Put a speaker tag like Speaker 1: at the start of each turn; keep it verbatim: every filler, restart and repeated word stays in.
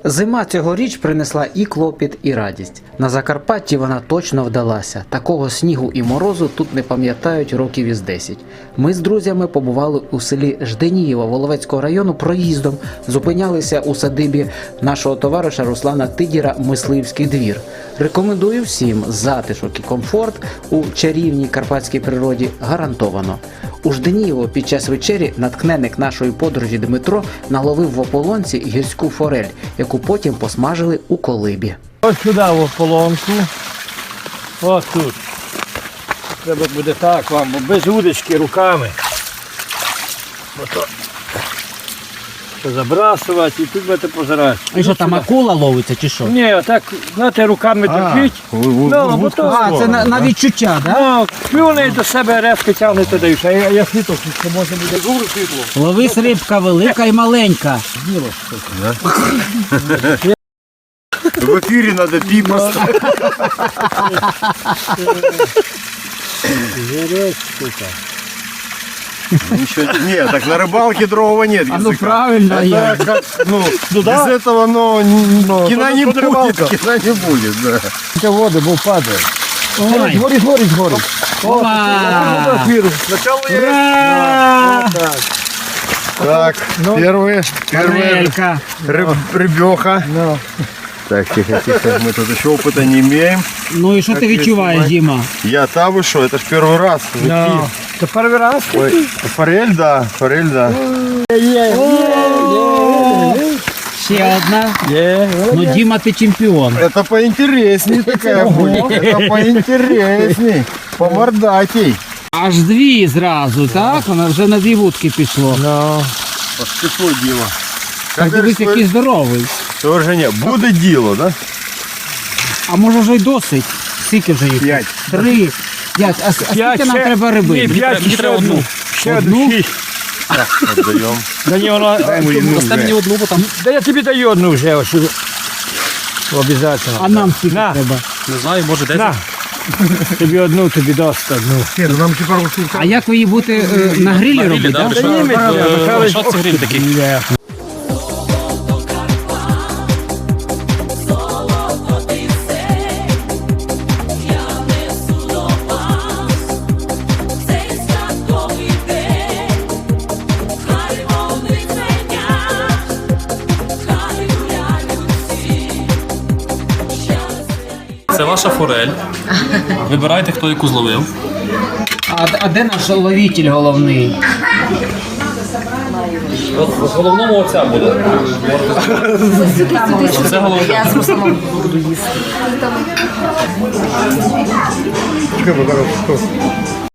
Speaker 1: Зима цьогоріч принесла і клопіт, і радість. На Закарпатті вона точно вдалася. Такого снігу і морозу тут не пам'ятають років із десять. Ми з друзями побували у селі Жденієво Воловецького району проїздом, зупинялися у садибі нашого товариша Руслана Тидіра «Мисливський двір». Рекомендую всім затишок і комфорт у чарівній карпатській природі гарантовано. У Жденієво під час вечері наткненник нашої подорожі Дмитро наловив в ополонці гірську форель, яку потім посмажили у колибі.
Speaker 2: Ось сюди в ополонку. Ось тут. Треба буде так вам, бо без удочки руками. Ото. Забрасувати і тут будете позирати.
Speaker 1: І що, там акула ловиться чи що?
Speaker 2: Ні, отак, знаєте, руками держіть. Ну, бо то,
Speaker 1: А, це на, на відчуття, так? Да?
Speaker 2: ну, плюне до себе резко тягнете даєш. А я, я світло, що можна буде дуже світло.
Speaker 1: Ловись рибка велика і маленька.
Speaker 3: В эфире надо пиво поставить. Ничего, нет, так на рыбалке другого нет.
Speaker 1: А ну правильно,
Speaker 3: Это
Speaker 1: я.
Speaker 3: как, ну,
Speaker 2: Ну,
Speaker 3: без
Speaker 2: да.
Speaker 3: этого, но, но кино не
Speaker 2: тут
Speaker 3: будет,
Speaker 2: рыбалка.
Speaker 3: кино не будет, да.
Speaker 2: Це води, бо падає.
Speaker 1: Ой.
Speaker 2: Горить, горить, горить.
Speaker 1: Опа!
Speaker 2: Спочатку є.
Speaker 1: Ура!
Speaker 2: Так.
Speaker 3: Так, первые, первые
Speaker 1: Форелька.
Speaker 3: рыб, рыбеха.
Speaker 2: Ну.
Speaker 3: Так, тихо, тихо, мы тут еще опыта не имеем.
Speaker 1: Ну і що ти відчуваєш, Діма?
Speaker 3: Я та вы что, это ж первый раз.
Speaker 2: Ну. Це перший раз?
Speaker 3: Ой, форель, да, форель, да.
Speaker 1: Ще одна.
Speaker 2: Є.
Speaker 1: Ну, Діма, ти чемпіон.
Speaker 3: Это поинтересней такая будет. Это поинтересней. Помордатей.
Speaker 1: Аж дві зразу, так? Вона вже на дві вудки пішло.
Speaker 2: Ну.
Speaker 3: Пішло діло.
Speaker 1: Так дивись, який здоровий.
Speaker 3: Тоже не, буде діло, да?
Speaker 1: А може вже й досить? Скільки вже їх?
Speaker 3: П'ять.
Speaker 1: Три. П'ять. А, с- а скільки нам треба риби?
Speaker 2: Ні, п'ять,
Speaker 4: Мені
Speaker 2: ще
Speaker 4: треба
Speaker 2: одну.
Speaker 4: одну.
Speaker 2: Ще
Speaker 1: Одну?
Speaker 2: одну. Шість.
Speaker 3: Отдаємо.
Speaker 2: Да ні, вона...
Speaker 4: Остав мені одну, бо там
Speaker 2: Да я тобі даю одну вже. Ось. Обов'язково.
Speaker 1: А нам скільки
Speaker 2: На.
Speaker 1: треба?
Speaker 4: не знаю, може десь.
Speaker 2: На. Тобі одну, тобі дасть одну.
Speaker 1: А як ви її будете е, на грилі робити?
Speaker 4: да,
Speaker 1: Да?
Speaker 4: що-
Speaker 2: Та ні, Михайло,
Speaker 4: Е,
Speaker 2: Михайло,
Speaker 4: що це гриль такий?
Speaker 2: Є.
Speaker 4: Це ваша форель. Вибирайте, хто яку зловив.
Speaker 1: А, а де наш ловитель головний?
Speaker 4: От в головному оця буде. Оце головне.
Speaker 5: Я з Русланом буду їсти.